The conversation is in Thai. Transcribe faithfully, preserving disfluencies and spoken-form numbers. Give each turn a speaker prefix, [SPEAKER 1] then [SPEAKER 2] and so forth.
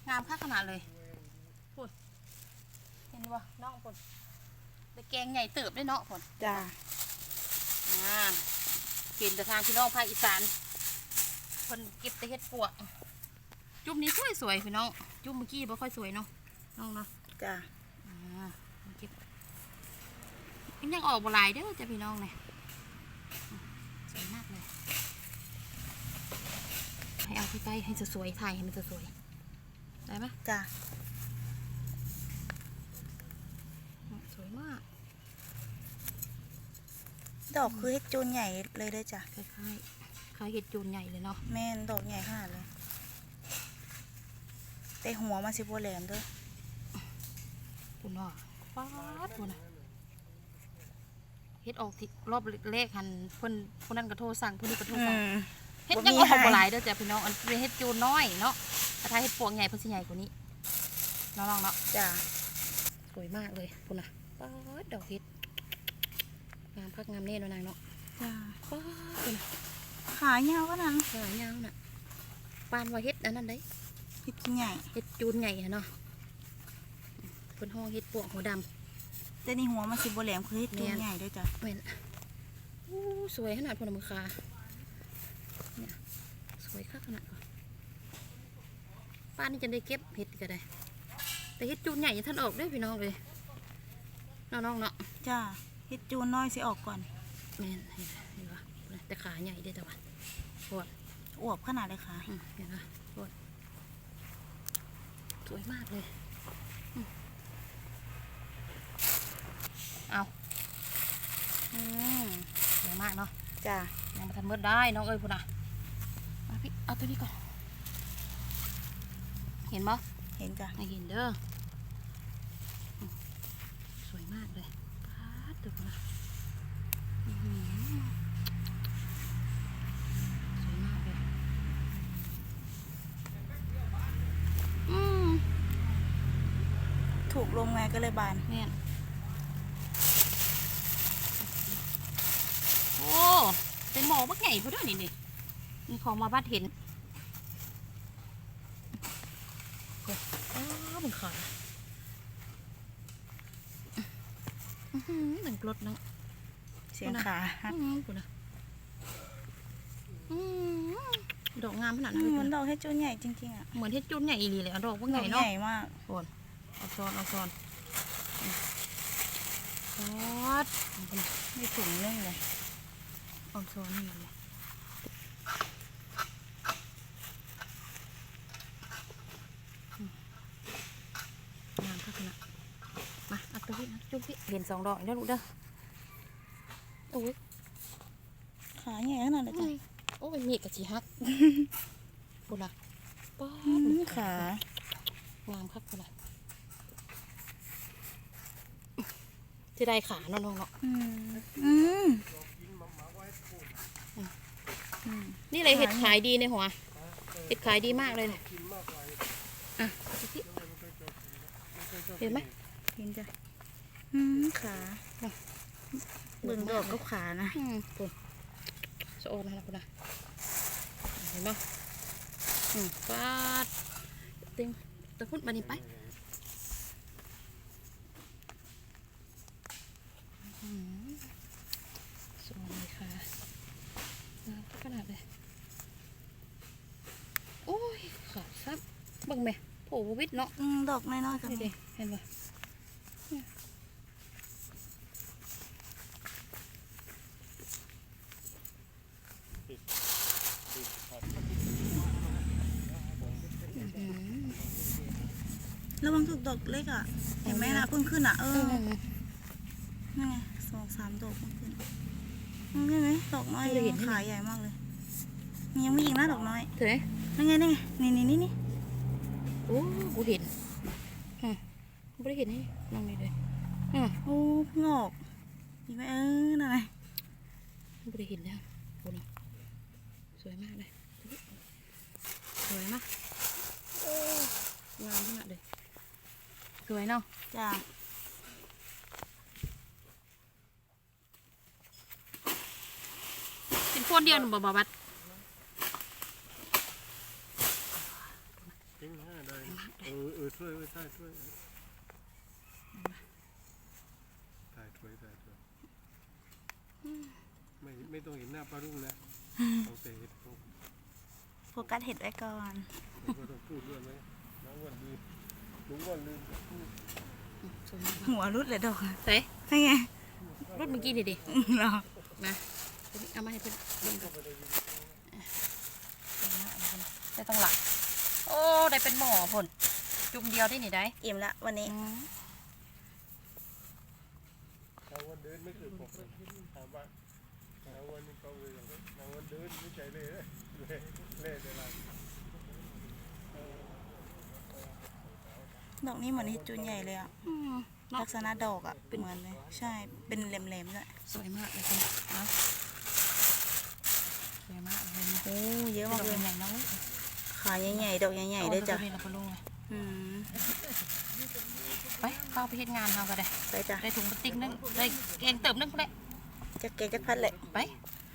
[SPEAKER 1] งามค่าขนาดเลยพูดเห็นบ่น้องพูดแต่แกงใหญ่เติบได้เนาะพูด
[SPEAKER 2] จ้า
[SPEAKER 1] อ่าเห็นแต่ทางพี่น้องภาคอีสานคนเก็บแต่เห็ดปวกจุ่มนี้สวยสวยพี่น้องจุ่มเมื่อกี้บ่ค่อยสวยเนาะน้องเนาะ
[SPEAKER 2] จ้า
[SPEAKER 1] อ่าเก็บยังออกบ่หลายเด้อจ้ะพี่น้องเนี่ยสวยมากเลยให้เอาใกล้ๆให้สวยๆถ่ายให้มันสวยๆได้ไหม
[SPEAKER 2] จ้า
[SPEAKER 1] สวยมาก
[SPEAKER 2] ดอกคือเห็ดจูนใหญ่เลยเด้อจ้ะ
[SPEAKER 1] คล้ายๆคล้ายเห็ดจูนใหญ่เลยเนาะ
[SPEAKER 2] แม่นดอกใหญ่ขนาดเลยแต่หัวมันสิบแหลมเด้อ
[SPEAKER 1] ปุ่นอ่ะป๊าดปุ่นอ่ะเฮ็ดออกที่รอบเลขหันเพิ่นคนนั้นกระโทรสั่งผู้นี้กระโทรสั่งเฮ็ดยังออกบ่หลายเด้อจ้ะพี่น้องอันเป็นเฮ็ดจูนน้อยเนาะแต่ถ้าเฮ็ดปวงใหญ่เพิ่นสิใหญ่กว่านี้น้องๆเนาะ
[SPEAKER 2] จ้า
[SPEAKER 1] สวยมากเลยปุ่นอ่ะป๊าดดอกเฮ็ดงามพักงามเน่นนางเนาะ
[SPEAKER 2] จ้า
[SPEAKER 1] ป๊าดปุ่นอ่ะ
[SPEAKER 2] ขายาวก็นั้น
[SPEAKER 1] ขายาวน่ะปานว่าเฮ็ดอันนั้นได้
[SPEAKER 2] เห็ดใหญ่
[SPEAKER 1] เฮ็ดจูนใหญ่เนาะเพิ่นห้องเฮ็ดปวงหัวดำ
[SPEAKER 2] แต่นี่หัวมันสิบแหลมคือเห็ดจูนใหญ่ด้วยจ้ะ
[SPEAKER 1] เว้นอู้สวยขนาดพนมือคาเนี่ยสวยคักขนาดป้านี่จะได้เก็บเห็ดก็ได้แต่เห็ดจูนใหญ่ท่านออกด้วยพี่น้องเลยน้องๆเนาะ
[SPEAKER 2] จ้าเห็ดจูนน้อยสิออกก่อน
[SPEAKER 1] แม่นเห็นเห็นปะแต่ขาใหญ่ได้แต่ว่าปวด
[SPEAKER 2] อวบขนาดเลยค่ะ
[SPEAKER 1] เห็นปะปวดสวยมากเลยเอาอืมสวยมากเนาะ
[SPEAKER 2] จ้า
[SPEAKER 1] ยังมาทำมืดได้น้องเอ้ยพูดนะมาพี่เอาตัวนี้ก่อนเห็นปะ
[SPEAKER 2] เห็นจ้ะ
[SPEAKER 1] ไม่เห็นเด้อสวยมากเลยปาดตัวนะสวยมากเลยอืม
[SPEAKER 2] ถูกลงไงก็เลยบาน
[SPEAKER 1] เนี่ยโอ้เป็นหมอบักใหญ่พอด้วยนี่นี่มีของมาบ้านเห็นอ้าวเป็นขาหนึ่งกรดนะ
[SPEAKER 2] เสียงขา
[SPEAKER 1] คุณนะดอกงามขนาดนั้น
[SPEAKER 2] เหมือนดอกเห็ดจูนใหญ่จริงๆอ่ะ
[SPEAKER 1] เหมือนเห็ดจูนใหญ่อีหลีเลยดอกว่าใหญ่เนาะ
[SPEAKER 2] ใหญ่มาก
[SPEAKER 1] โอนเอาซ้อนเอาซ้อนซอส
[SPEAKER 2] ไม่ถุงนึ่งเลย
[SPEAKER 1] เอาซ้อนให้มันเลยงามขนาดมาเอาตัวพี่นะจุ๊บพี่เห็นสองดอกแล้วลูกเด้อโอ้ย
[SPEAKER 2] ขาใหญ่ขนาดไหนจ้ะ
[SPEAKER 1] โอ้ยมีกระชีฮักบุระป้า
[SPEAKER 2] ข
[SPEAKER 1] างามครับบุระจะได้ขาน้องๆเนาะนี่เลยเห็ดขายดีในหัวเห็ดขายดีมากเลยอ่ะเห็นไหม
[SPEAKER 2] เห็นจ้ะขาเบิ่งดอกก็ขานะ
[SPEAKER 1] ปุ่นโซนนะคุณนะเห็นไหมอืมฟาดเต็มตะพุ่นมานี่ไปสวยเลยค่ะขนาดเลยโอ้ยขาดซับบังแม่โผล่วิทเนาะ
[SPEAKER 2] ดอกน้อยๆกัน
[SPEAKER 1] ดิเห็นไหม
[SPEAKER 2] ระวังถูกดอกเล็กอ่ะเห็นไหมล่ะเพิ่งขึ้นอ่ะเออนี่ไงสองสามดอกเพิ่งขึ้นนี่ไหมดอกน้อยเลยขาใหญ่มากเลยยังไม่ยิงนะดอกน้อย
[SPEAKER 1] เห็นไหม
[SPEAKER 2] นี่ไงนี่ไงนี่นี่นี่นี่
[SPEAKER 1] โอ้กูเห็นฮะไม่ได้เห็นนี่ลองนี่เลย
[SPEAKER 2] อ่ะโอ้งอกยิงไหมเออนั่นไง
[SPEAKER 1] ไม่ได้เห็นแล้วโอ้โหสวยมากเลยสวยมากงามขนาดเลยสวยเนาะ
[SPEAKER 2] จ้า
[SPEAKER 1] เป็นคนเดียวหนูบ่บ่บัดโอ้
[SPEAKER 3] อเออช่วยไว้ใช่ช่วยถ่ายช่วยถ่ายช่วยไม่ไม่ต้องเห็นหน้าปลารุ่งนะเอาแต่เห็ดพวก
[SPEAKER 2] โฟกัสเห็ดไว้ก่อน
[SPEAKER 3] แล้วก็ต้องพูดด้วยไหมน้องวันลืมลุงวันลืมจะพูด
[SPEAKER 1] สวยมาก
[SPEAKER 2] หัวรุดเลยดอกอะ
[SPEAKER 1] เฮ้ย
[SPEAKER 2] ใช่ไง
[SPEAKER 1] รถเมื่อกี้ดิดิ
[SPEAKER 2] อืมเหรอ
[SPEAKER 1] มาเอามาให้เพื่อนเบิ่งก่อนได้ต้องหลักโอ้ได้เป็นหมอผลจุ่มเดียวได้หนิได้
[SPEAKER 2] อิ่มละวันนี้
[SPEAKER 3] น้องวันเดินไม่เคยบอกเลยถามว่าน้องวันนี้เขาเลยอย่างนี้น้องวันเดินไม่ใจเลยเล่เล่เล่เวลา
[SPEAKER 2] ดอกนี้เหมือนเห็ดจูนใหญ่เลยอ่ะ
[SPEAKER 1] อืมเนาะ
[SPEAKER 2] ลักษณะดอกอ่ะเหมือนเลยใช่เป็นแหลมๆด้วย
[SPEAKER 1] สวยมากเลยคุณเนาะสวยมากเลยนะ
[SPEAKER 2] โอ้เยอะมากเลย
[SPEAKER 1] ใหญ่ๆเนาะ
[SPEAKER 2] ขาใหญ่ๆดอกใหญ่ๆด้วยจ้ะ
[SPEAKER 1] เอาไปลงเลย
[SPEAKER 2] อืม
[SPEAKER 1] ไปเข้าไปเฮ็ดงานเขาก็ได้
[SPEAKER 2] ไปจ้ะ
[SPEAKER 1] ได้ถุงพลาสติกนึงได้แกงเติมนึงก็ได้
[SPEAKER 2] จะเกจักพัดเลย
[SPEAKER 1] ไป